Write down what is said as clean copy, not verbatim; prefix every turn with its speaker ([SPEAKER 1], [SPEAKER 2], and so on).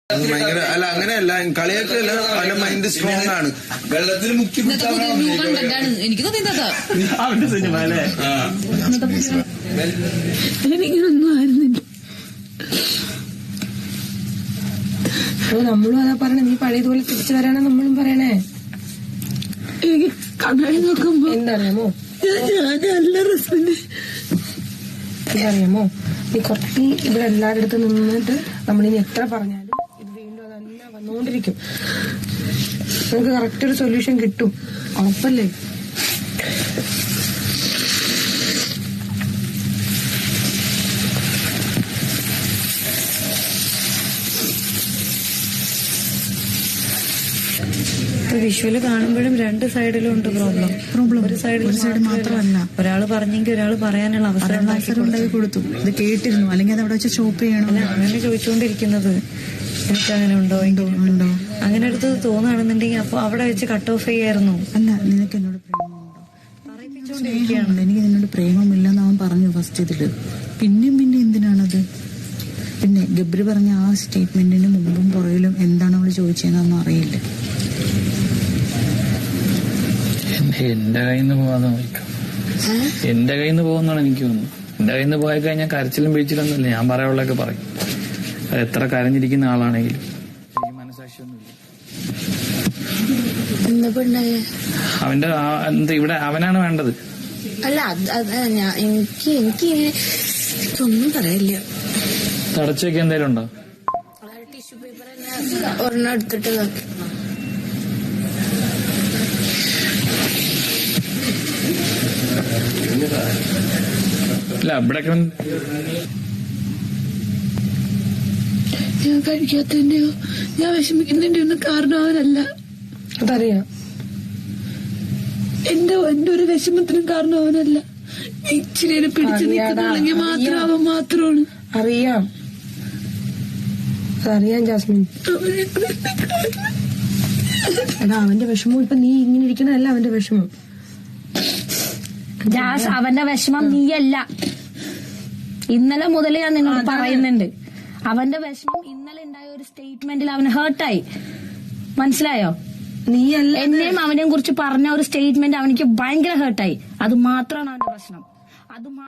[SPEAKER 1] ഭയങ്കര അല്ല അങ്ങനെയല്ല കളിയൊക്കെയല്ല അവന്റെ മൈൻഡ് സ്ട്രോങ് ആണ്.
[SPEAKER 2] വെള്ളത്തിൽ മുക്കി
[SPEAKER 3] എനിക്ക് തോന്നിയതാ
[SPEAKER 4] അവന്റെ സിനിമ അല്ലേ?
[SPEAKER 3] എനിക്കൊന്നും ആയിരുന്നില്ല.
[SPEAKER 5] നമ്മളും അതാ പറയണേ, നീ പഴയതുപോലെ തിരിച്ചു വരാനാ നമ്മളും പറയണേ.
[SPEAKER 3] എനിക്ക് കണ്ണാടി നോക്കുമ്പോ
[SPEAKER 5] എന്തറിയാമോ, ഇതറിയാമോ, നീ കുറച്ച് ഇവിടെ എല്ലാവരുടെ അടുത്ത് നിന്നിട്ട് നമ്മളിനി എത്ര പറഞ്ഞാലും ഇത് വീണ്ടും അതല്ല വന്നുകൊണ്ടിരിക്കും. നമുക്ക് കറക്റ്റ് ഒരു സൊല്യൂഷൻ കിട്ടും, ഉറപ്പല്ലേ?
[SPEAKER 6] വിഷ്വല് കാണുമ്പോഴും രണ്ട് സൈഡിലും ഉണ്ട് പ്രോബ്ലം. ഒരു സൈഡ് മാത്രമല്ല, ഒരാള് പറഞ്ഞെങ്കിൽ ഒരാള് പറയാനുള്ള അവസരം ഉണ്ടാക്കി കൊടുത്തു. ഇത് കേട്ടിരുന്നു, അല്ലെങ്കിൽ അത് അവിടെ വെച്ച് സ്റ്റോപ്പ് ചെയ്യണം. അങ്ങനെ ചോദിച്ചുകൊണ്ടിരിക്കുന്നത് എനിക്ക് അങ്ങനെ ഉണ്ടോ അങ്ങനെ അടുത്ത് തോന്നുകയാണെന്നുണ്ടെങ്കിൽ അപ്പൊ അവിടെ വെച്ച് കട്ട് ഓഫ് ചെയ്യായിരുന്നു.
[SPEAKER 7] അല്ല, നിനക്ക് എന്നോട് പ്രേമമുണ്ടോ? പറയിപ്പിച്ചോണ്ടിരിക്കുകയാണ്. എനിക്ക് നിന്നോട് പ്രേമമില്ലെന്ന് അവൻ പറഞ്ഞു ഫസ്റ്റ് ഇതില്. പിന്നെയും എന്തിനാണത്? പിന്നെ ഗബ്രി പറഞ്ഞ ആ സ്റ്റേറ്റ്മെന്റിന് മുമ്പും പുറകിലും എന്താണ് അവള് ചോദിച്ചതെന്നൊന്നും അറിയില്ല.
[SPEAKER 4] എന്റെ കയ്യിൽ നിന്ന് പോകാതെ നോക്കാം. എന്റെ കയ്യിൽ നിന്ന് പോകുന്നതാണ് എനിക്ക് തോന്നുന്നു. എന്റെ കയ്യിൽ നിന്ന് പോയി കഴിഞ്ഞാൽ കരച്ചിലും പിടിച്ചിലൊന്നുമില്ല, ഞാൻ പറയാനുള്ളതൊക്കെ പറയും. അത് എത്ര കരഞ്ഞിരിക്കുന്ന ആളാണെങ്കിലും മനസാക്ഷിയൊന്നുമില്ല. അവന്റെ എന്താ ഇവിടെ അവനാണ് വേണ്ടത്.
[SPEAKER 3] അല്ല എനിക്കൊന്നും പറയില്ല.
[SPEAKER 4] തടച്ചൊക്കെ എന്തേലും ഉണ്ടോ?
[SPEAKER 3] ടിഷ്യൂ പേപ്പർ തന്നെ ഒരെണ്ണം എടുത്തിട്ട്
[SPEAKER 4] ഇല്ല ഇവിടെ
[SPEAKER 3] ഞാൻ കഴിക്കാത്തതിന്റെയോ ഞാൻ വിഷമിക്കുന്നതിന്റെയോ ഒന്നും കാരണം അവനല്ല.
[SPEAKER 5] അതറിയാം.
[SPEAKER 3] എന്റെ ഒരു വിഷമത്തിനും കാരണം അവനല്ല. ഇച്ചിരി പിടിച്ചു നിൽക്കുന്നുണ്ടെങ്കിൽ മാത്രം അവൻ മാത്രമാണ്.
[SPEAKER 5] അറിയാം, അതറിയാം ജാസ്മിൻ. എടാ, അവന്റെ വിഷമം ഇപ്പൊ നീ ഇങ്ങനെ ഇരിക്കണതല്ല അവന്റെ വിഷമം.
[SPEAKER 8] അവന്റെ വിഷമം നീയല്ല. ഇന്നലെ മുതൽ ഞാൻ നിന്നോട് പറയുന്നുണ്ട്, അവന്റെ വിഷമം ഇന്നലെ ഉണ്ടായ ഒരു സ്റ്റേറ്റ്മെന്റിൽ അവന് ഹേർട്ടായി. മനസ്സിലായോ?
[SPEAKER 5] നീയല്ല,
[SPEAKER 8] എന്നെയും അവനെയും കുറിച്ച് പറഞ്ഞ ഒരു സ്റ്റേറ്റ്മെന്റ് അവനിക്ക് ഭയങ്കര ഹേർട്ടായി. അത് മാത്രമാണ് അവന്റെ പ്രശ്നം. അത്